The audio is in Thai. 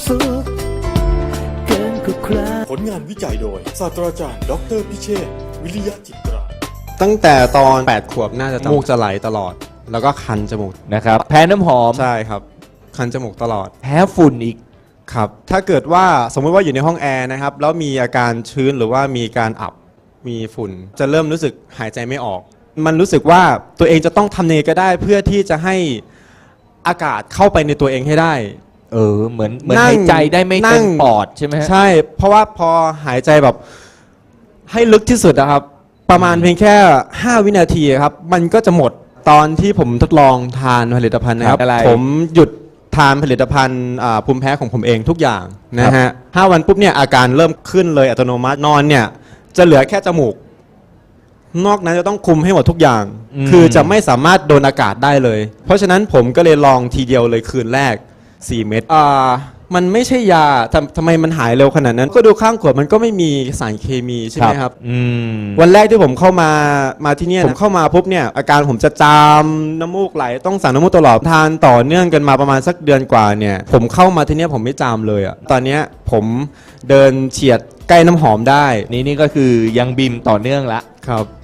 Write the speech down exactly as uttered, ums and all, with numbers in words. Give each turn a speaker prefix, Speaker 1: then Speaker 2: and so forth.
Speaker 1: สุขเกินกว่าใคร
Speaker 2: ผลงานวิจัยโดยศาสตราจารย์ดอกเตอรพิเชษฐ์วิริยะจิตรา
Speaker 3: ตั้งแต่ตอนแปดขวบน่าจะจมูกจะไหลตลอด แล้วก็คันจมูก
Speaker 4: นะครับแพ้น้ำหอม
Speaker 3: ใช่ครับ คันจมูกตลอด
Speaker 4: แพ้ฝุ่นอีก
Speaker 3: ครับ ถ้าเกิดว่าสมมติว่าอยู่ในห้องแอร์นะครับแล้วมีอาการชื้นหรือว่ามีการอับมีฝุ่น จะเริ่มรู้สึกหายใจไม่ออก มันรู้สึกว่าตัวเองจะต้องทำเนก็ได้เพื่อที่จะให้อากาศเข้าไปในตัวเองให้ได้
Speaker 4: เออเหมือนเหมือน
Speaker 3: นั่ง
Speaker 4: หายใจได้ไม่
Speaker 3: นั่
Speaker 4: เต็
Speaker 3: ง
Speaker 4: มปอดใช่ไหมฮะ
Speaker 3: ใช่ เพราะว่าพอหายใจแบบให้ลึกที่สุดนะครับ ประมาณเพียงแค่ห้าวินาทีครับ มันก็จะหมดตอนที่ผมทดลองทานผลิตภัณฑ์นะครับ
Speaker 4: อะไร
Speaker 3: ผมหยุดทานผลิตภัณฑ์อ่าภูมิแพ้ของผมเองทุกอย่างนะฮะห้าวันปุ๊บเนี่ยอาการเริ่มขึ้นเลยอัตโนมัตินอนเนี่ยจะเหลือแค่จมูก นอกนั้นจะต้องคุมให้หมดทุกอย่าง คือจะไม่สามารถโดนอากาศได้เลย เพราะฉะนั้นผมก็เลยลองทีเดียวเลยคืนแรกสี่เม็ดอ่ามันไม่ใช่ยาทำทำไมมันหายเร็วขนาดนั้น ก็ดูข้างขวดมันก็ไม่มีสารเคมีใช่ไหมครับ
Speaker 4: อืม
Speaker 3: วันแรกที่ผมเข้ามามาที่เนี่ยผมเข้ามาปุ๊บเนี่ยอาการผมจะจามน้ำมูกไหลต้องสั่งน้ำมูกตลอดทานต่อเนื่องกันมาประมาณสักเดือนกว่าเนี่ยผมเข้ามาที่เนี่ยผมไม่จามเลยอะตอนเนี้ยผมเดินเฉียดใกล้น้ำหอมได้
Speaker 4: นี่นี่ก็คือยังบิมต่อเนื่องละ
Speaker 3: ครับ